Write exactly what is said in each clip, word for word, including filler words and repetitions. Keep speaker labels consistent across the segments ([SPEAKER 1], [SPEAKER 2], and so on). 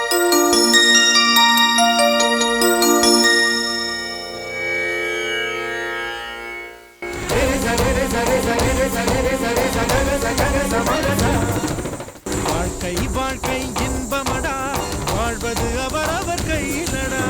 [SPEAKER 1] வாழ்க்கை வாழ்க்கை இன்பமடா, வாழ்வது அவரவர் கையிலடா.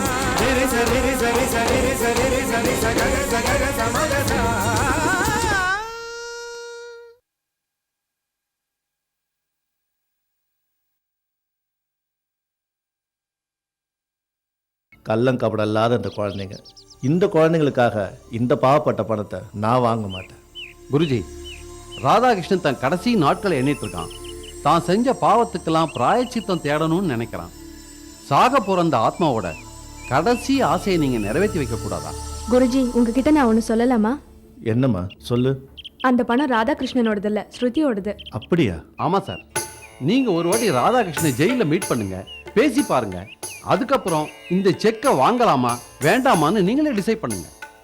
[SPEAKER 2] கள்ளம் கபடம் இல்லாத இந்த குழந்தைங்க, இந்த குழந்தைங்களுக்காக இந்த பாவப்பட்ட பணத்தை நான் வாங்க மாட்டேன்.
[SPEAKER 3] குருஜி, ராதாகிருஷ்ணன் தன் கடைசி நாட்களை எண்ணிட்டு இருக்கான். தான் செஞ்ச பாவத்துக்கெல்லாம் பிராயச்சித்தம் தேடணும்னு நினைக்கிறான். சாக போற அந்த ஆத்மாவோட கடைசி ஆசையை நீங்க நிறைவேற்றி வைக்க கூடாதா?
[SPEAKER 4] குருஜி, உங்ககிட்ட நான் ஒன்று சொல்லலாமா?
[SPEAKER 2] என்னம்மா சொல்லு.
[SPEAKER 4] அந்த பணம் ராதாகிருஷ்ணனோடது இல்ல, ஸ்ருதியோடது.
[SPEAKER 2] அப்படியா?
[SPEAKER 3] ஆமா சார். நீங்க ஒரு வாட்டி ராதாகிருஷ்ணனை ஜெயில மீட் பண்ணுங்க, பேசி பாருங்க. அதுக்கப்புறம் இந்த செக்கை வாங்கலாமா வேண்டாமான்னு நீங்களே டிசைட் பண்ணுங்க.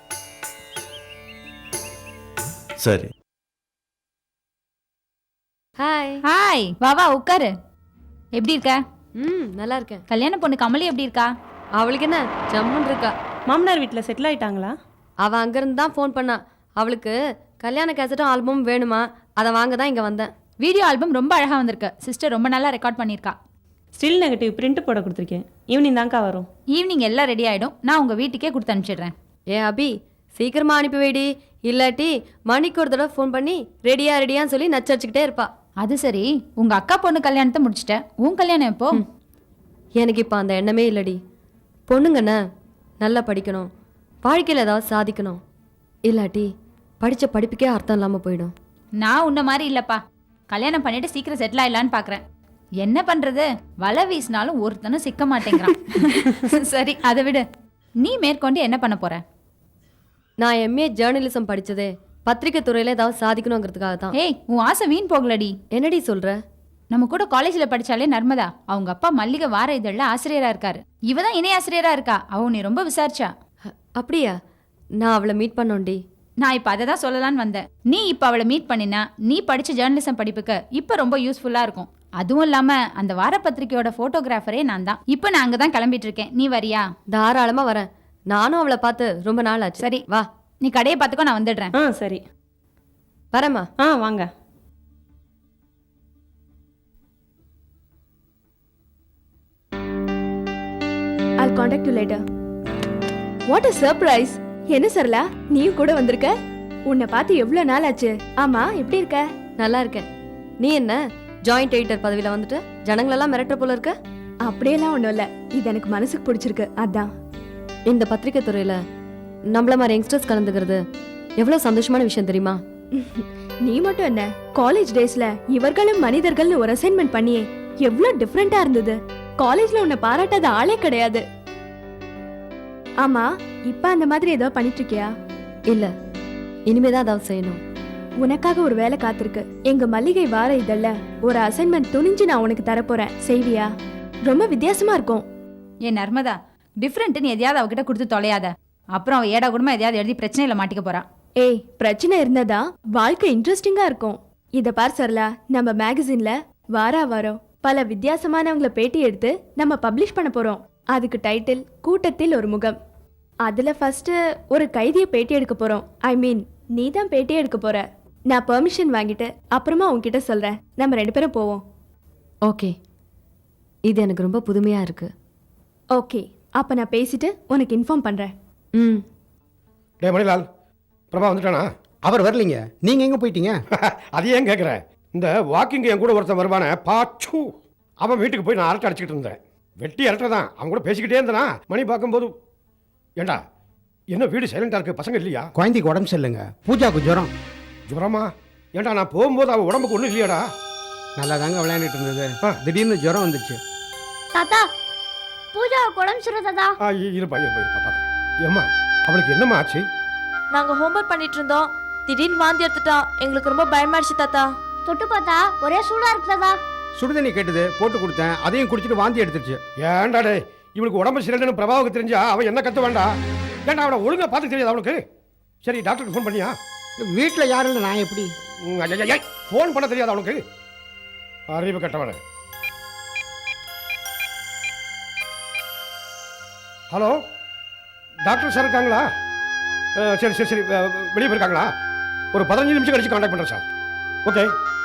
[SPEAKER 2] சரி.
[SPEAKER 5] ஹாய்.
[SPEAKER 6] ஹாய், வா வா உட்காரு. எப்படி இருக்க?
[SPEAKER 5] ம், நல்லா இருக்கேன்.
[SPEAKER 6] கல்யாண பொண்ணு கமலி எப்படி இருக்கா?
[SPEAKER 5] அவளுக்கு என்ன, ஜம்முன்னு இருக்கா.
[SPEAKER 7] மாமனார் வீட்டில் செட்டில் ஆயிட்டாங்களா?
[SPEAKER 5] அவள் அங்கேருந்து தான் ஃபோன் பண்ணா. அவளுக்கு கல்யாண கேசட்டும் ஆல்பமும் வேணுமா, அதை வாங்க தான் இங்கே வந்தேன்.
[SPEAKER 6] வீடியோ ஆல்பம் ரொம்ப அழகாக வந்திருக்கு. சிஸ்டர் ரொம்ப நல்லா ரெக்கார்ட் பண்ணியிருக்கா.
[SPEAKER 7] ஸ்டில் நெகட்டிவ் பிரிண்ட் போட கொடுத்துருக்கேன். ஈவினிங் தான்க்கா வரும்.
[SPEAKER 6] ஈவினிங் எல்லாம் ரெடி ஆகிடும். நான் உங்கள் வீட்டுக்கே கொடுத்து அனுப்பிச்சிடுறேன்.
[SPEAKER 5] ஏ அபி, சீக்கிரமாக அனுப்பி வைடி. இல்லாட்டி மணிக்கு ஒரு தடவை ஃபோன் பண்ணி ரெடியா ரெடியான்னு சொல்லி நச்சரிச்சுக்கிட்டே இருப்பா.
[SPEAKER 6] அது சரி, உங்கள் அக்கா பொண்ணு கல்யாணத்தை முடிச்சிட்டேன். உன் கல்யாணம் எப்போ?
[SPEAKER 5] எனக்கு இப்போ அந்த எண்ணமே இல்லடி. பொண்ணுங்கண்ணே நல்லா படிக்கணும், வாழ்க்கையில் ஏதாவது சாதிக்கணும். இல்லாட்டி படித்த படிப்புக்கே அர்த்தம் இல்லாமல் போயிடும்.
[SPEAKER 6] நான் உன்ன மாதிரி இல்லைப்பா. கல்யாணம் பண்ணிட்டு சீக்கிரம் செட்டில் ஆயிடலான்னு பார்க்குறேன். என்ன பண்ணுறது, வலை வீசினாலும் ஒருத்தனும் சிக்க மாட்டேங்கிறான். சரி, அதை விடு. நீ மேற்கொண்டு என்ன பண்ண போற?
[SPEAKER 5] நான் எம்ஏ ஜேர்னலிசம் படித்ததே பத்திரிக்கை துறையில் ஏதாவது சாதிக்கணுங்கிறதுக்காக தான்.
[SPEAKER 6] ஏய், உன் ஆசை வீண் போகலடி.
[SPEAKER 5] என்னடி சொல்கிற?
[SPEAKER 6] நம்ம கூட காலேஜில் படித்தாலே நர்மதா, அவங்க அப்பா மல்லிகை வார இதழில் ஆசிரியராக இருக்காரு. இவ தான் இணை ஆசிரியராக இருக்கா. அவ நீ ரொம்ப விசாரிச்சா.
[SPEAKER 5] அப்படியா? நான் அவளை மீட் பண்ணோண்டி.
[SPEAKER 6] நான் இப்போ அதை தான் சொல்லலான்னு வந்தேன். நீ இப்போ அவளை மீட் பண்ணினா நீ படித்த ஜேர்னலிசம் படிப்புக்கு இப்போ ரொம்ப யூஸ்ஃபுல்லாக இருக்கும். அதுவும் இல்லாமல் அந்த வாரப்பத்திரிக்கையோட ஃபோட்டோகிராஃபரே நான் தான். இப்போ நான் அங்கே தான் கிளம்பிட்டு இருக்கேன். நீ வரியா?
[SPEAKER 5] தாராளமாக வரேன். நானும் அவளை பார்த்து ரொம்ப நாள் ஆச்சு.
[SPEAKER 6] சரி வா, நீ கடையை பார்த்துக்கோ, நான் வந்துடுறேன்.
[SPEAKER 7] ஆ சரி,
[SPEAKER 5] வரேம்மா.
[SPEAKER 7] ஆ வாங்க.
[SPEAKER 4] I'll contact you later. What a surprise! என்ன சரலா, நீயும் கூட வந்திருக்க? உன்னை பார்த்து எவ்வளவு நாள் ஆச்சு. ஆமா, எப்படி இருக்க?
[SPEAKER 5] நல்லா இருக்கேன். நீ என்ன ஜாயிண்ட் எடிட்டர் பதவியில் வந்துட்டு ஜனங்களெல்லாம் மிரட்டுற போல இருக்க?
[SPEAKER 4] அப்படியெல்லாம் ஒன்றும் இல்லை, இது எனக்கு மனசுக்கு பிடிச்சிருக்கு, அதான்.
[SPEAKER 5] இந்த பத்திரிக்கை துறையில் நம்மள மாதிரி யங்ஸ்டர்ஸ் கலந்துக்கிறது எவ்வளோ சந்தோஷமான விஷயம் தெரியுமா?
[SPEAKER 4] நீ மட்டும் என்ன, காலேஜ் டேஸ்ல இவர்களும் மனிதர்கள்னு ஒரு அசைன்மெண்ட் பண்ணியே எவ்வளோ டிஃப்ரெண்டா இருந்தது. காலேஜ்ல உன்னை பாராட்டாத ஆளே கிடையாது. ஆமா, இப்ப அந்த மாதிரி ஏதோ பண்ணிட்டு இருக்கியா?
[SPEAKER 5] இல்ல, இனிமேதான் அதாவது செய்யணும்.
[SPEAKER 4] உனக்காக ஒரு வேலை காத்திருக்கு. எங்க மல்லிகை வார இதழ்ல ஒரு அசைன்மெண்ட் துணிஞ்சு நான் உனக்கு தரப்போறேன். செய்வியா? ரொம்ப வித்தியாசமா இருக்கும்.
[SPEAKER 6] ஏன் நர்மதா, டிஃப்ரெண்ட்னு எதையாவது அவகிட்ட கொடுத்து தொலையாத. அப்புறம் அவ ஏடா கூடமா எதையாவது எழுதி பிரச்சனையில மாட்டிக்க போறா.
[SPEAKER 4] ஏய், பிரச்சனை இருந்தா வாழ்க்கை இன்ட்ரெஸ்டிங்கா இருக்கும். இத பார் சரலா, நம்ம மேகசின்ல வாரா வாரம் பல வித்தியாசமானவங்கள பேட்டி எடுத்து நம்ம பப்ளிஷ் பண்ண போறோம். அதுக்கு டைட்டில் கூட்டத்தில் ஒரு முகம். அதுல ஃபர்ஸ்ட் ஒரு கைதியை பேட்டி எடுக்க போறோம். ஐ மீன், நீ தான் பேட்டி எடுக்க போற. நான் பெர்மிஷன் வாங்கிட்டு அப்புறமா உன்கிட்ட சொல்றேன். நம்ம ரெண்டு பேரும் போவோம்.
[SPEAKER 5] ஓகே, இது எனக்கு ரொம்ப புதுமையா இருக்கு.
[SPEAKER 4] ஓகே, அப்ப நான் பேசிட்டு உனக்கு இன்ஃபார்ம் பண்றேன்.
[SPEAKER 5] ம்.
[SPEAKER 8] டே மணிலால், பிரபா வந்துட்டானா?
[SPEAKER 9] அவர் வரலீங்க. நீங்க எங்க போயிட்டீங்க?
[SPEAKER 8] அது ஏன் கேட்குறேன், இந்த வாக்கிங் என் கூட ஒருத்தன் வருவானே பாச்சு, அவன் வீட்டுக்கு போய் நான் அரட்டை அடிச்சுக்கிட்டு இருந்தேன். வெட்டி அரட்டை தான், அவன் கூட பேசிக்கிட்டே இருந்தனா மணி பார்க்கும்போது, ஏண்டா என்ன வீடு சைலண்டாக இருக்கு, பசங்க இல்லையா?
[SPEAKER 9] குழந்தைக்கு உடம்பு சரியில்லைங்க, பூஜாவுக்கு ஜுரம்.
[SPEAKER 8] ஜுரமா? ஏண்டா நான் போகும்போது அவன் உடம்புக்கு ஒன்றும் இல்லையாடா?
[SPEAKER 9] நல்லா தாங்க விளையாண்டுட்டு இருந்தது, திடீர்னு ஜுரம் வந்துச்சு.
[SPEAKER 10] தாத்தா, பூஜா உடம்பு சரியில்லை தாத்தா.
[SPEAKER 8] ஆ இருப்பா இருப்பா இருப்பா பாப்பா. ஏம்மா, அவளுக்கு என்னம்மா ஆச்சு?
[SPEAKER 11] நாங்க ஹோம்வொர்க் பண்ணிட்டு இருந்தோம், திடீர்னு வாந்தி எடுத்துட்டா. எங்களுக்கு ரொம்ப பயமாயிடுச்சு தாத்தா.
[SPEAKER 10] தொட்டு பார்த்தா ஒரே சூடா இருக்கு தாத்தா.
[SPEAKER 9] சுடுதண்ணி கேட்டது, போட்டு கொடுத்தேன், அதையும் குடிச்சிட்டு வாந்தி எடுத்துருச்சு.
[SPEAKER 8] ஏண்டா டே, இவளுக்கு உடம்பு சரியில்லைன்னு பிரபாவுக்கு தெரிஞ்சா அவன் என்ன கத்து வேண்டா? ஏண்டா அவனை ஒழுங்கா பார்த்து தெரியாது அவளுக்கு? சரி, டாக்டருக்கு ஃபோன் பண்ணியா?
[SPEAKER 9] வீட்டில் யாரும் இல்லை, நான் எப்படி
[SPEAKER 8] ஃபோன் பண்ண தெரியாது அவனுக்கு? அறிவு கட்டவன. ஹலோ டாக்டர் சார் இருக்காங்களா? அஹ், சரி சரி சரி அஹ், வெளியே போயிருக்காங்களா? ஒரு பதினஞ்சு நிமிஷம் கழிச்சு காண்டாக்ட் பண்ணுறேன் சார். ஓகே.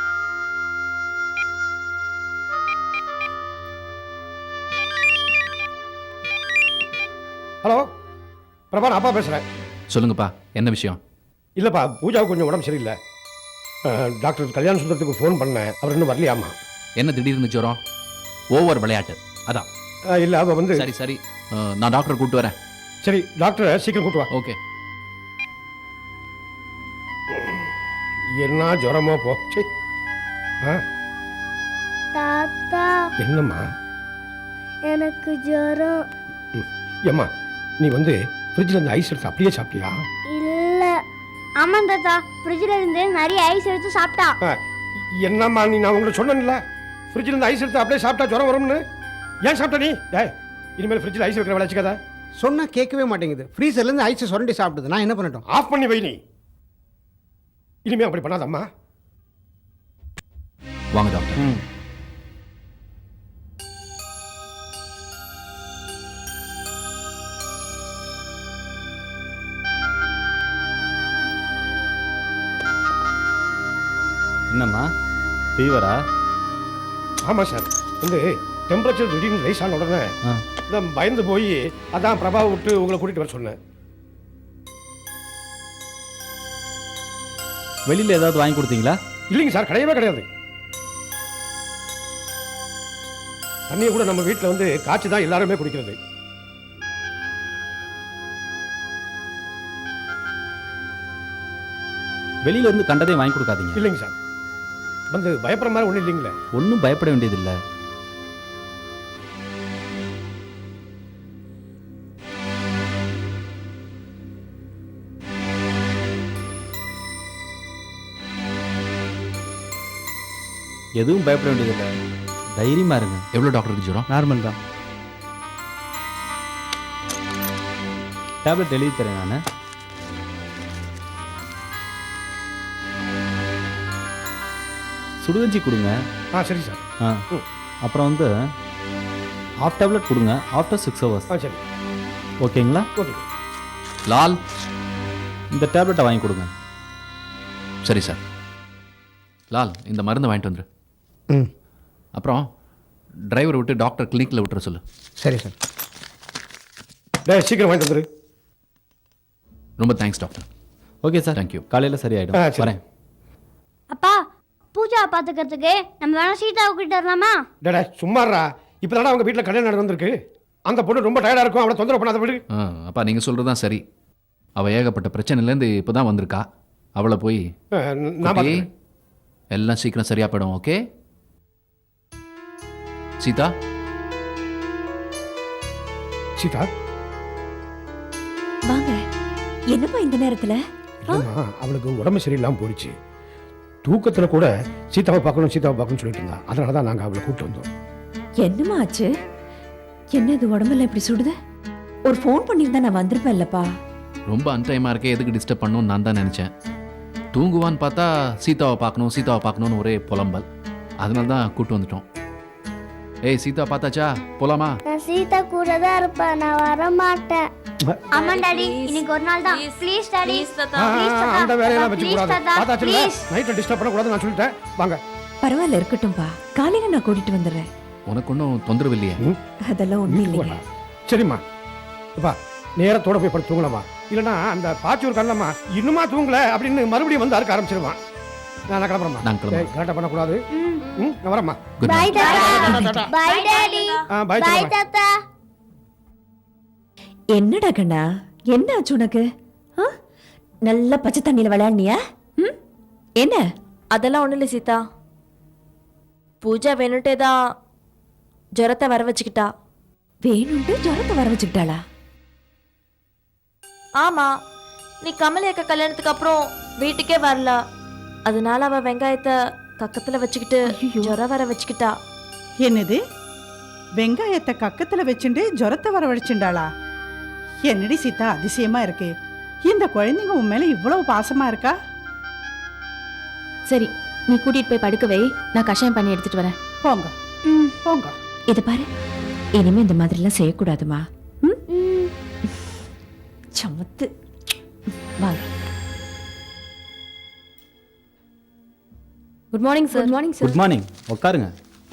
[SPEAKER 8] ஹலோ பிரபா, நான் அப்பா பேசுகிறேன்.
[SPEAKER 12] சொல்லுங்கப்பா, என்ன விஷயம்?
[SPEAKER 8] இல்லைப்பா, பூஜாவுக்கு கொஞ்சம் உடம்பு சரியில்லை. அஹ், டாக்டர் கல்யாண சுந்தரத்துக்கு ஃபோன் பண்ணேன், அவர் இன்னும் வரலையாமா.
[SPEAKER 12] என்ன திடீர்னு ஜுரம்? ஓவர் விளையாட்டு அதான்.
[SPEAKER 8] இல்லை அவள் வந்து
[SPEAKER 12] சரி சரி, அஹ், நான் டாக்டர் கூப்பிட்டு வரேன்.
[SPEAKER 8] சரி, டாக்டரை சீக்கிரம் கூட்டு வா.
[SPEAKER 12] ஓகே.
[SPEAKER 8] என்ன ஜுரமோ போச்சு. ஆ
[SPEAKER 10] தாத்தா
[SPEAKER 8] என்னம்மா?
[SPEAKER 10] எனக்கு ஜுரம்.
[SPEAKER 8] ஏம்மா, நீ வந்து ஃப்ரிட்ஜில் இருந்து ஐஸ் எடுத்து அப்படியே சாப்பிட்டியா?
[SPEAKER 10] இல்ல. ஆமா தாத்தா, ஃப்ரிட்ஜ்ல இருந்து நிறைய ஐஸ் எடுத்து சாப்பிட்டா.
[SPEAKER 8] ஆ, என்னம்மா நீ, நான் உங்களை சொன்னேன்ல ஃப்ரிட்ஜில் இருந்து ஐஸ் எடுத்து அப்படியே சாப்பிட்டா ஜுரம் வரும்னு. ஏன் சாப்பிட்ட நீ? ஏய், இனிமேல் ஃப்ரிட்ஜில் ஐஸ் வைக்கிற விளையாச்சுக்காத.
[SPEAKER 9] சொன்னா கேட்கவே மாட்டேங்குது. ஃப்ரீசர்லேருந்து ஐஸை சுரண்டி சாப்பிடுது. நான் என்ன பண்ணட்டும்?
[SPEAKER 8] ஆஃப் பண்ணி வை நீ. இனிமே அப்படி பண்ணாதம்மா.
[SPEAKER 12] வாங்க டாக்டர்.
[SPEAKER 2] என்னம்மா, ஃபீவரா?
[SPEAKER 8] ஆமாம் சார், வந்து டெம்பரேச்சர் திடீர்னு ரைஸ் ஆன உடனே நான் பயந்து போய் அதான் பிரபாவை விட்டு உங்களை கூட்டிகிட்டு வர சொன்னேன்.
[SPEAKER 2] வெளியில் ஏதாவது வாங்கி கொடுத்தீங்களா?
[SPEAKER 8] இல்லைங்க சார், கிடையவே கிடையாது. தண்ணியை கூட நம்ம வீட்டில் வந்து காய்ச்சி தான் எல்லாருமே குடிக்கிறது.
[SPEAKER 2] வெளியில இருந்து கண்டதையும் வாங்கி கொடுக்காதீங்க.
[SPEAKER 8] இல்லைங்க சார், வந்து பயப்படுற மாதிரி ஒன்றும் இல்லைங்களே.
[SPEAKER 2] ஒன்றும் பயப்பட வேண்டியதில்லை. எதுவும் பயப்பட வேண்டியதில்லை, தைரியமா இருங்க.
[SPEAKER 12] எவ்வளோ டாக்டருக்கு ஜுரம்?
[SPEAKER 2] நார்மல் தான். டேப்லெட் எழுதி தரேன் நான். சுடுகஞ்சி கொடுங்க.
[SPEAKER 8] ஆ சரி சார்.
[SPEAKER 2] ஆ, அப்புறம் வந்து ஆஃப் டேப்லெட் கொடுங்க ஆஃப்டர் சிக்ஸ் ஹவர்ஸ்.
[SPEAKER 8] ஆ சரி,
[SPEAKER 2] ஓகேங்களா?
[SPEAKER 8] ஓகே.
[SPEAKER 12] லால்,
[SPEAKER 2] இந்த டேப்லெட்டை வாங்கி கொடுங்க.
[SPEAKER 12] சரி சார். லால், இந்த மருந்து வாங்கிட்டு வந்துரு.
[SPEAKER 9] ம்
[SPEAKER 12] அப்புறம் டிரைவரை விட்டு டாக்டர் கிளினிக்கில் விட்டுற சொல்லு.
[SPEAKER 9] சரி சார்.
[SPEAKER 8] டேய், சீக்கிரம் வாங்கிட்டு வந்துரு.
[SPEAKER 12] ரொம்ப thanks doctor.
[SPEAKER 2] Okay sir,
[SPEAKER 12] thank you.
[SPEAKER 2] காலையில்
[SPEAKER 8] ஆ,
[SPEAKER 2] சரியாயிடும்.
[SPEAKER 8] சரி.
[SPEAKER 2] வரேன்.
[SPEAKER 10] அப்பா, பூஜா பாத்துக்கிறதுக்கு நம்ம வேணா சீதாவை கிட்ட வரலாமா?
[SPEAKER 8] டேடா சும்மாறா, இப்போ தானே அவங்க வீட்டில் கல்யாணம் நடந்திருக்கு. அந்த பொண்ணு ரொம்ப டயர்டாக இருக்கும், அவளை தொந்தரவு பண்ணாத விடு.
[SPEAKER 12] ஆ, அப்பா நீங்கள் சொல்கிறது தான் சரி. அவள் ஏகப்பட்ட பிரச்சனையிலேருந்து இப்போ தான் வந்திருக்கா. அவளை போய்
[SPEAKER 8] ஆ, நான்
[SPEAKER 12] குட்டி,
[SPEAKER 8] பார்த்துக்கிறேன்.
[SPEAKER 12] எல்லாம் சீக்கிரம் சரியா போயிடும். ஓகே சீதா?
[SPEAKER 8] சீதா,
[SPEAKER 11] வாங்க. என்னப்பா இந்த நேரத்துல?
[SPEAKER 8] இல்லைம்மா, அவளுக்கு உடம்பு சரியில்லாமல் போயிடுச்சு. தூக்கத்தில் கூட சீதாவை பார்க்கணும் சீதாவை பார்க்கணும்னு சொல்லிட்டு இருந்தா. அதனால தான் நாங்கள் அவளை கூப்பிட்டு வந்தோம்.
[SPEAKER 11] என்னம்மா ஆச்சு? என்ன இது உடம்பெல்லாம் இப்படி சுடுது? ஒரு ஃபோன் பண்ணியிருந்தா நான் வந்திருப்பேன்லப்பா.
[SPEAKER 12] ரொம்ப அன்டைமாக இருக்கே, எதுக்கு டிஸ்டர்ப் பண்ணணும்னு நான் தான் நினச்சேன். தூங்குவான்னு பார்த்தா சீதாவை பார்க்கணும் சீதாவை பார்க்கணும்னு ஒரே புலம்பல். அதனால தான் கூப்பிட்டு வந்துட்டோம். ஏய் சீதா, பார்த்தாச்சா? போலாமா?
[SPEAKER 10] நான் சீதா கூட தான் இருப்பேன், நான் வர மாட்டேன். ஆமா டாடி, இன்னைக்கு ஒரு நாள் தான். Please daddy.
[SPEAKER 8] ஆ, ஆ, அந்த வேலையெல்லாம் வச்சுக்கூடாது. பார்த்தாச்சுல, நைட்டில் டிஸ்டர்ப் பண்ணக்கூடாது நான் சொல்லிட்டேன். வாங்க.
[SPEAKER 11] பரவாயில்ல, இருக்கட்டும்பா. காலையில நான் கூட்டிட்டு வந்துடுறேன்.
[SPEAKER 12] உனக்கு ஒன்றும் தொந்தரவு இல்லையே?
[SPEAKER 11] அதெல்லாம் ஒண்ணும் இல்லைங்க.
[SPEAKER 8] சரிம்மா, அப்பா நேரத்தோட போய் படுத்து தூங்கலாமா? இல்லைன்னா அந்த பாச்சூர் கண்ணம்மா இன்னுமா தூங்கல அப்படின்னு மறுபடியும் வந்து அறுக்க ஆரம்பிச்சிருவான். நான் கிளம்புறேம்மா.
[SPEAKER 12] நான் கிளம்புறேன்.
[SPEAKER 8] கரெக்டாக பண்ணக்கூடாது. ம், நான் வரேம்மா.
[SPEAKER 12] Good
[SPEAKER 10] bye
[SPEAKER 12] night.
[SPEAKER 10] தாத்தா. Bye daddy.
[SPEAKER 8] ஆ, பை
[SPEAKER 10] பை
[SPEAKER 8] சொல்லுங்க.
[SPEAKER 10] தாத்தா.
[SPEAKER 11] என்னடா கண்ணா, என்ன ஆச்சு உனக்கு? ஆ? நல்லா பச்சை தண்ணியில விளையாடுனியா? ம்? என்ன?
[SPEAKER 13] அதெல்லாம் ஒன்றும் இல்லை சீதா. பூஜா வேணுட்டே தான் ஜுரத்தை வர வச்சுக்கிட்டா.
[SPEAKER 11] வேணும்ட்டு ஜுரத்தை வர வச்சுக்கிட்டாளா?
[SPEAKER 13] ஆமா, நீ கமலி அக்கா கல்யாணத்துக்கு அப்புறம் வீட்டுக்கே வரல. அதனால அவ வெங்காயத்தை கக்கத்துல வச்சுக்கிட்டு ஜுரம் வர வச்சுக்கிட்டா.
[SPEAKER 14] என்னது, வெங்காயத்தை கக்கத்துல வச்சுட்டு ஜுரத்தை வரவழைச்சுண்டாளா? என்னடி சீதா, அதிசயமா இருக்கு. இந்த குழந்தைங்க உன் மேல இவ்வளவு பாசமா இருக்கா?
[SPEAKER 4] சரி, நீ கூட்டிட்டு போய் படுக்க வை, நான் கஷாயம் பண்ணி எடுத்துட்டு வரேன்.
[SPEAKER 14] போங்க போங்க.
[SPEAKER 11] இத பாரு, இனிமே இந்த மாதிரி எல்லாம் செய்யக்கூடாதுமா. ம்? சமத்து வாங்க.
[SPEAKER 5] Good morning sir.
[SPEAKER 4] Good morning sir.
[SPEAKER 15] Good morning, உட்காருங்க.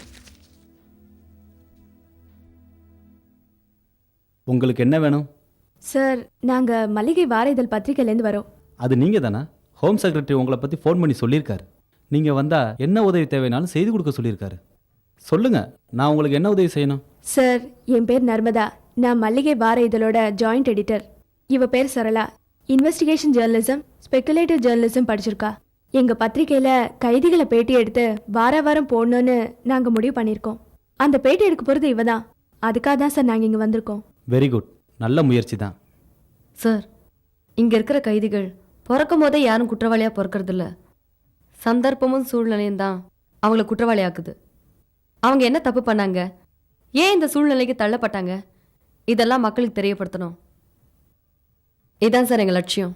[SPEAKER 15] உங்களுக்கு என்ன வேணும்?
[SPEAKER 4] சார் நாங்க மல்லிகை வார இதழ் பத்திரிகையிலேருந்து வரோம்.
[SPEAKER 15] அது நீங்கள் தானே? ஹோம் செக்ரட்டரி உங்களை பற்றி ஃபோன் பண்ணி சொல்லியிருக்காரு. நீங்கள் வந்தால் என்ன உதவி தேவைனாலும் செய்து கொடுக்க சொல்லியிருக்காரு. சொல்லுங்கள், நான் உங்களுக்கு என்ன உதவி செய்யணும்?
[SPEAKER 4] சார் என் பேர் நர்மதா. நான் மல்லிகை வார இதழோட ஜாயிண்ட் எடிட்டர். இவ பேர் Sarala. Investigation journalism, speculative journalism படிச்சிருக்கா. எங்க பத்திரிகையில கைதிகளை பேட்டி எடுத்து வார வாரம் போடணும்னு நாங்க முடிவு பண்ணியிருக்கோம். அந்த பேட்டி எடுக்க போறது இவ தான். அதுக்காக தான் சார் நாங்க இங்க வந்திருக்கோம்.
[SPEAKER 15] வெரி குட், நல்ல முயற்சி தான்.
[SPEAKER 5] சார், இங்க இருக்கிற கைதிகள் பிறக்கும் போதே யாரும் குற்றவாளியா பிறக்கிறது இல்ல. சந்தர்ப்பமும் சூழ்நிலையும் தான் அவங்கள குற்றவாளி ஆக்குது. அவங்க என்ன தப்பு பண்ணாங்க, ஏன் இந்த சூழ்நிலைக்கு தள்ளப்பட்டாங்க, இதெல்லாம் மக்களுக்கு தெரியப்படுத்தணும். இதான் சார் எங்க லட்சியம்.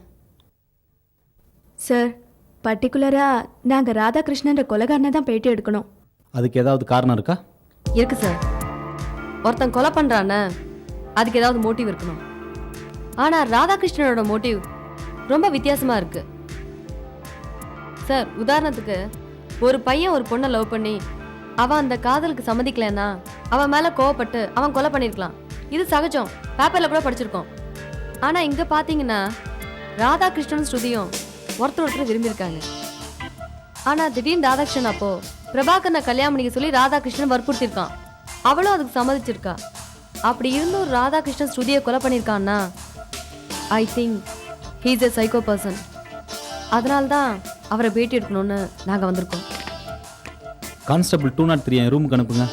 [SPEAKER 4] சார் பர்டிகுலரா நாங்க ராதாகிருஷ்ணன்ற கொலைகாரனை தான் பேட்டி எடுக்கணும்.
[SPEAKER 15] அதுக்கு ஏதாவது காரணம் இருக்கா?
[SPEAKER 5] இருக்கு சார். ஒருத்தன் கொலை பண்றான, அதுக்கு ஏதாவது மோட்டிவ் இருக்கணும். ஆனா ராதாகிருஷ்ணனோட மோட்டிவ் ரொம்ப வித்தியாசமா இருக்கு சார். உதாரணத்துக்கு, ஒரு பையன் ஒரு பொண்ணை லவ் பண்ணி அவன் அந்த காதலுக்கு சம்மதிக்கலன்னா அவன் மேல கோவப்பட்டு அவன் கொலை பண்ணிருக்கலாம். இது சகஜம், பேப்பர்ல கூட படிச்சிருக்கோம். ஆனா இங்க பாத்தீங்கன்னா ராதாகிருஷ்ணன் ஸ்ருதியும் ஒருத்தர் ஒருத்தர் விரும்பியிருக்காங்க. ஆனா திடீர்னு ராதாகிருஷ்ணன் அப்போ பிரபாகரனை கல்யாணம் பண்ணிக்க சொல்லி ராதாகிருஷ்ணன் வற்புறுத்திருக்கான். அவளும் அதுக்கு சம்மதிச்சிருக்கா. அப்படி இருந்தும் ராதாகிருஷ்ணன் ஸ்ருதியை கொலை பண்ணியிருக்கான்னா I think he is a psycho person. அதனால தான் அவரை பேட்டி எடுக்கணும்னு நாங்கள் வந்திருக்கோம்.
[SPEAKER 15] கான்ஸ்டபிள் டூ நாட் த்ரீ என் ரூமுக்கு அனுப்புங்க.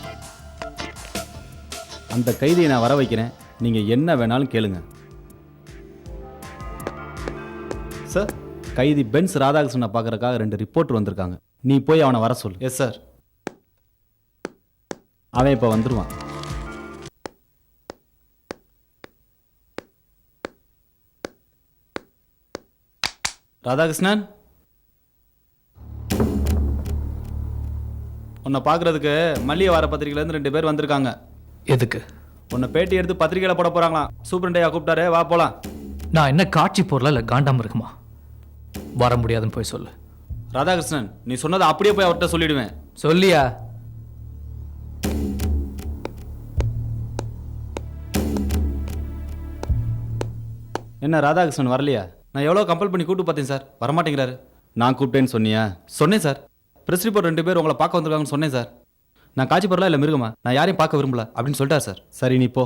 [SPEAKER 15] அந்த கைதியை நான் வர வைக்கிறேன், நீங்கள் என்ன வேணாலும் கேளுங்க. சார், கைதி பென்ஸ் ராதாகிருஷ்ணனை பார்க்கறதுக்காக ரெண்டு ரிப்போர்ட்டர் வந்திருக்காங்க. நீ போய் அவனை வர சொல்லு.
[SPEAKER 2] Yes sir.
[SPEAKER 15] அவன் இப்போ வந்துடுவான். ராதாகிருஷ்ணன், உன்னை பார்க்கறதுக்கு மல்லிகை வார பத்திரிகையிலேருந்து ரெண்டு பேர் வந்திருக்காங்க.
[SPEAKER 16] எதுக்கு?
[SPEAKER 15] உன்னை பேட்டி எடுத்து பத்திரிகையில் போட போகிறாங்களாம். சூப்பரண்டையா கூப்பிட்டாரு, வா போகலாம்.
[SPEAKER 16] நான் என்ன காட்சி போடல, இல்லை காண்டாம இருக்குமா? வர முடியாதுன்னு போய் சொல்லு.
[SPEAKER 15] ராதாகிருஷ்ணன், நீ சொன்னதை அப்படியே போய் அவர்கிட்ட சொல்லிடுவேன்.
[SPEAKER 16] சொல்லியா?
[SPEAKER 15] என்ன ராதாகிருஷ்ணன் வரலையா? நான் எவ்வளோ கம்பல் பண்ணி கூப்பிட்டு பார்த்தேன் சார், வரமாட்டேங்கிறாரு. நான் கூப்பிட்டேன்னு சொன்னியா? சொன்னேன் சார். ப்ரெஸ் ரிப்போர்ட் ரெண்டு பேர் உங்களை பார்க்க வந்திருக்காங்கன்னு சொன்னேன் சார். நான் காட்சி பொருளா இல்லை மிருகமா, நான் யாரையும் பார்க்க விரும்பல அப்படின்னு சொல்லிட்டார் சார். சரி, நீ போ.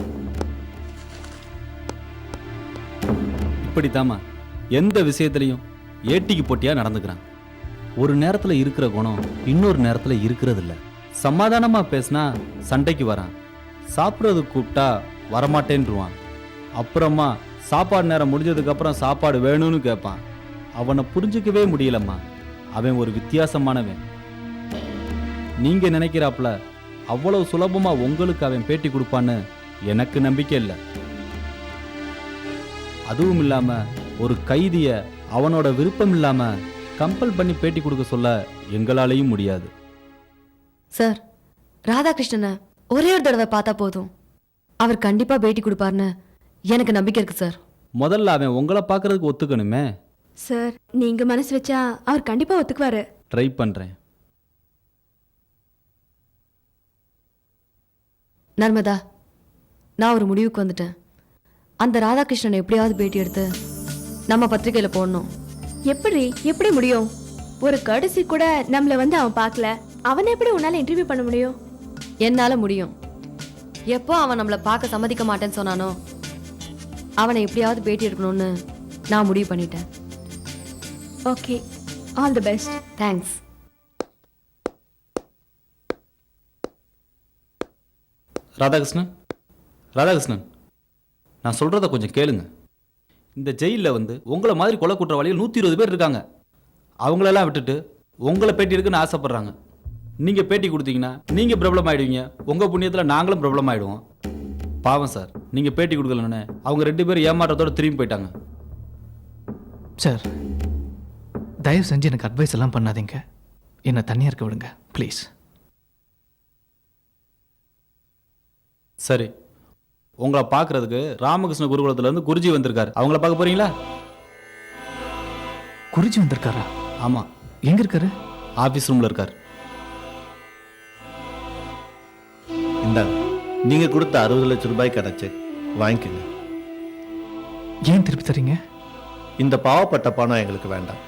[SPEAKER 15] இப்படித்தாம்மா எந்த விஷயத்துலையும் ஏட்டிக்கு போட்டியாக நடந்துக்கிறான். ஒரு நேரத்தில் இருக்கிற குணம் இன்னொரு நேரத்தில் இருக்கிறது இல்லை. சமாதானமாக பேசினா சண்டைக்கு வரான், சாப்பிட்றது கூப்பிட்டா வரமாட்டேன்ருவான். அப்புறமா சாப்பாடு நேரம் முடிஞ்சதுக்கு அப்புறம் சாப்பாடு வேணும்னு கேட்பான். அவனை புரிஞ்சுக்கவே முடியலம்மா. அவன் ஒரு வித்தியாசமானவன். நீங்க நினைக்கிறாப்புல அவ்வளவு சுலபமா உங்களுக்கு அவன் பேட்டி கொடுப்பான்னு எனக்கு நம்பிக்கை இல்லை. அதுவும் இல்லாம ஒரு கைதிய அவனோட விருப்பம் இல்லாம கம்பல் பண்ணி பேட்டி கொடுக்க சொல்ல எங்களாலையும் முடியாது.
[SPEAKER 5] சார், ராதாகிருஷ்ணனை ஒரே ஒரு தடவை பார்த்தா போதும், அவர் கண்டிப்பா பேட்டி கொடுப்பாருன்னு எனக்கு நம்பிக்கை இருக்கு சார்.
[SPEAKER 15] முதல்ல அவன் உங்களை பார்க்கறதுக்கு ஒத்துக்கணுமே.
[SPEAKER 4] சார், நீங்க மனசு வச்சா அவர் கண்டிப்பா ஒத்துக்குவாரு.
[SPEAKER 15] ட்ரை பண்றேன்.
[SPEAKER 5] நர்மதா, நான் ஒரு முடிவுக்கு வந்துட்டேன். அந்த ராதாகிருஷ்ணனை எப்படியாவது பேட்டி எடுத்து நம்ம பத்திரிகையில போடணும்.
[SPEAKER 4] எப்படி எப்படி முடியும்? ஒரு கடைசி கூட நம்மள வந்து அவன் பார்க்கல. அவனை எப்படி உன்னால இன்டர்வியூ பண்ண முடியும்?
[SPEAKER 5] என்னால முடியும். எப்போ அவன் நம்மளை பார்க்க சம்மதிக்க மாட்டேன்னு சொன்னானோ அவனை எப்படியாவது பேட்டி எடுக்கணும்னு நான் முடிவு பண்ணிட்டேன்.
[SPEAKER 4] Okay, all the best.
[SPEAKER 5] Thanks.
[SPEAKER 15] Radhakrishnan, Radhakrishnan, நான் சொல்கிறத கொஞ்சம் கேளுங்க. இந்த ஜெயிலில் வந்து உங்களை மாதிரி கொலை குற்றவாளிகள் நூற்றி இருபது பேர் இருக்காங்க. அவங்களெல்லாம் விட்டுட்டு உங்களை பேட்டி இருக்குன்னு ஆசைப்பட்றாங்க. நீங்கள் பேட்டி கொடுத்தீங்கன்னா நீங்கள் பிரபலம் ஆகிடுவீங்க. உங்கள் புண்ணியத்தில் நாங்களும் பிரபலம் ஆகிடுவோம். பாவம் சார், நீங்கள் பேட்டி கொடுக்கலன்னு அவங்க ரெண்டு பேரும் ஏமாற்றத்தோடு திரும்பி போயிட்டாங்க.
[SPEAKER 16] சார், தயவு செஞ்சு எனக்கு அட்வைஸ் எல்லாம் பண்ணாதீங்க. என்னை தனியாக இருக்க விடுங்க ப்ளீஸ்.
[SPEAKER 15] சரி, உங்களை பார்க்கறதுக்கு ராமகிருஷ்ண குருகுலத்துல இருந்து குருஜி வந்திருக்காரு. அவங்கள பார்க்க போறீங்களா?
[SPEAKER 16] குருஜி வந்திருக்காரா?
[SPEAKER 15] ஆமா.
[SPEAKER 16] எங்க இருக்காரு?
[SPEAKER 15] ஆபீஸ் ரூம்ல இருக்காரு.
[SPEAKER 2] இந்தாங்க, நீங்க கொடுத்த அறுபது லட்சம் ரூபாய்க்கான செக் வாங்கிக்கங்க.
[SPEAKER 16] ஏன் திருப்பி தரீங்க?
[SPEAKER 2] இந்த பாவப்பட்ட பணம் எங்களுக்கு வேண்டாம்.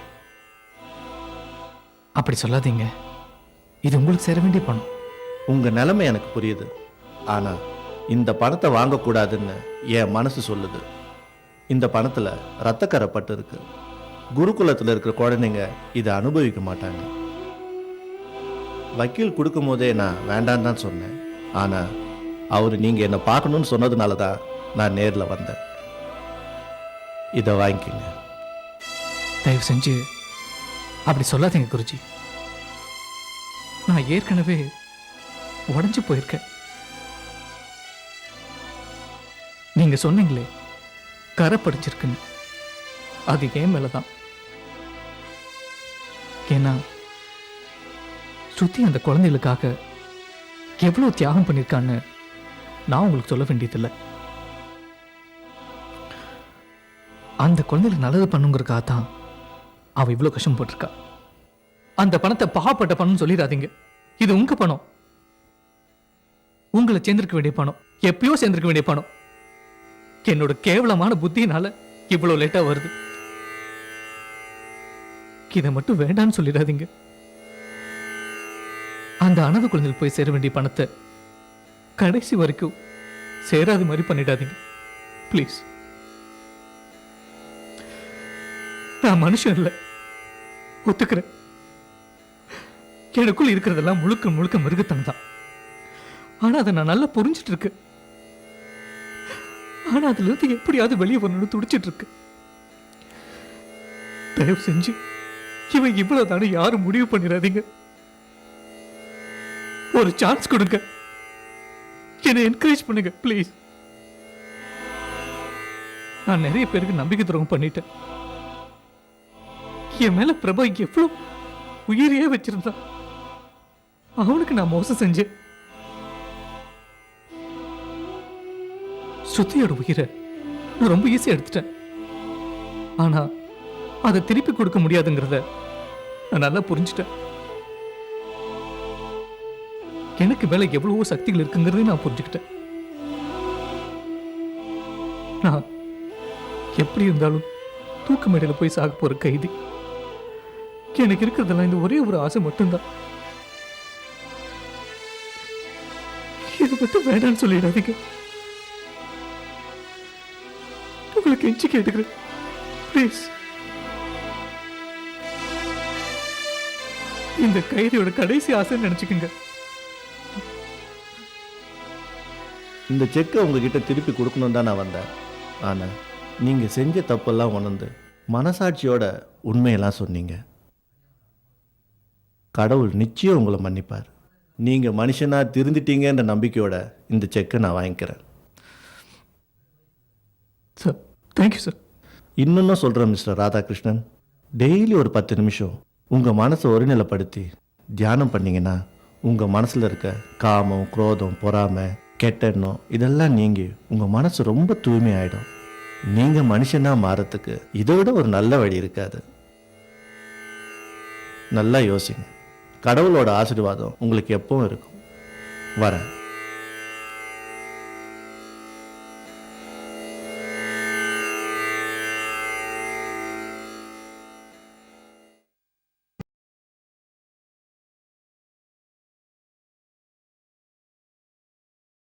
[SPEAKER 16] அப்படி சொல்லாதீங்க, இது உங்களுக்கு சேர வேண்டிய பணம்.
[SPEAKER 2] உங்க நிலைமை எனக்கு புரியுது. ஆனா இந்த பணத்தை வாங்கக்கூடாதுன்னு என் மனசு சொல்லுது. இந்த பணத்துல ரத்தக்கரை பட்டு இருக்கு. குருகுலத்தில் இருக்கிற குழந்தைங்க இதை அனுபவிக்க மாட்டாங்க. வக்கீல் கொடுக்கும் போதே நான் வேண்டான்னு தான் சொன்னேன். ஆனா அவர் நீங்க என்னை பார்க்கணும்னு சொன்னதுனால தான் நான் நேரில் வந்தேன். இதை வாங்கிக்கங்க.
[SPEAKER 16] தயவு செஞ்சு அப்படி சொல்லாதீங்க குருஜி. நான் ஏற்கனவே உடஞ்சு போயிருக்கேன். நீங்க சொன்னீங்களே கரை படிச்சிருக்குன்னு, அது ஏன் மேலதான். ஏன்னா ஸ்ருதி அந்த குழந்தைகளுக்காக எவ்வளவு தியாகம் பண்ணியிருக்கான்னு நான் உங்களுக்கு சொல்ல வேண்டியதில்லை. அந்த குழந்தைகளுக்கு நல்லது பண்ணுங்கிறக்காக தான் அவ இவ்வளவு கஷ்டம் போட்டிருக்கா. அந்த பணத்தை பாவப்பட்ட பணம் சொல்லிடாதீங்க. இது உங்க பணம், உங்களை சேர்ந்திருக்க வேண்டிய பணம், எப்பயோ சேர்ந்திருக்க வேண்டிய பணம். என்னோட கேவலமான புத்தியினால இவ்வளவு லேட்டா வருது. இதை மட்டும் வேண்டான்னு சொல்லிடாதீங்க. அந்த அனாதை குழந்தைகள் போய் சேர வேண்டிய பணத்தை கடைசி வரைக்கும் சேராத மாதிரி பண்ணிடாதீங்க ப்ளீஸ். நான் மனுஷன் இல்லை, ஒத்துக்கிறேன். எனக்குள்ள இருக்கிறதெல்லாம் முழுக்க முழுக்க மிருகத்தனம் தான். ஆனா அதை நான் நல்லா புரிஞ்சிட்டு இருக்கு. ஆனா அதுல இருந்து எப்படியாவது வெளியே வரணும்னு துடிச்சிட்டு இருக்கு. தயவு செஞ்சு இவன் இவ்வளவு தானே யாரும் முடிவு பண்ணிடாதீங்க. ஒரு சான்ஸ் கொடுங்க, என்னை என்கரேஜ் பண்ணுங்க ப்ளீஸ். நான் நிறைய பேருக்கு நம்பிக்கை துரோகம் பண்ணிட்டேன். என் மேல பிரபா எவ்வளவு உயிரையே வச்சிருந்தான். அவனுக்கு நான் மோசம் செஞ்சேன். ஸ்ருதியோட உயிரை நான் ரொம்ப ஈஸியா எடுத்துட்டேன். ஆனா அதை திருப்பி கொடுக்க முடியாதுங்கிறத நான் நல்லா புரிஞ்சுட்டேன். எனக்கு மேல எவ்வளவோ சக்திகள் இருக்குங்கிறதை நான் புரிஞ்சுக்கிட்டேன். நான் எப்படி இருந்தாலும் தூக்கு மேடையில போய் சாக போற கைதி. எனக்கு இருக்கிறதெல்லாம் இந்த ஒரே ஒரு ஆசை மட்டும்தான். இது மட்டும் வேண்டான்னு சொல்லிடாதீங்க. உங்களுக்கு எஞ்சி கேட்டுக்கிறேன் ப்ளீஸ். இந்த கைதியோட கடைசி ஆசைன்னு நினைச்சுக்கோங்க.
[SPEAKER 2] இந்த செக்கை உங்ககிட்ட திருப்பி கொடுக்கணும் தான் நான் வந்தேன். ஆனால் நீங்கள் செஞ்ச தப்பெல்லாம் உணர்ந்து மனசாட்சியோட உண்மையெல்லாம் சொன்னீங்க. கடவுள் நிச்சயம் உங்களை மன்னிப்பார். நீங்கள் மனுஷனாக திருந்திட்டீங்கன்ற நம்பிக்கையோட இந்த செக்கை நான் வாங்கிக்கிறேன்.
[SPEAKER 16] Sir thank you sir.
[SPEAKER 2] இன்னொன்னு சொல்கிறேன் மிஸ்டர் ராதாகிருஷ்ணன், டெய்லி ஒரு பத்து நிமிஷம் உங்கள் மனசை ஒருநிலைப்படுத்தி தியானம் பண்ணிங்கன்னா உங்கள் மனசில் இருக்க காமம், குரோதம், பொறாமை, கெட்டெண்ணம் இதெல்லாம் நீங்கி உங்கள் மனசு ரொம்ப தூய்மையாயிடும். நீங்கள் மனுஷனாக மாறத்துக்கு இதை விட ஒரு நல்ல வழி இருக்காது. நல்லா யோசிங்க. கடவுளோட ஆசீர்வாதம் உங்களுக்கு எப்பவும் இருக்கும். வரேன்.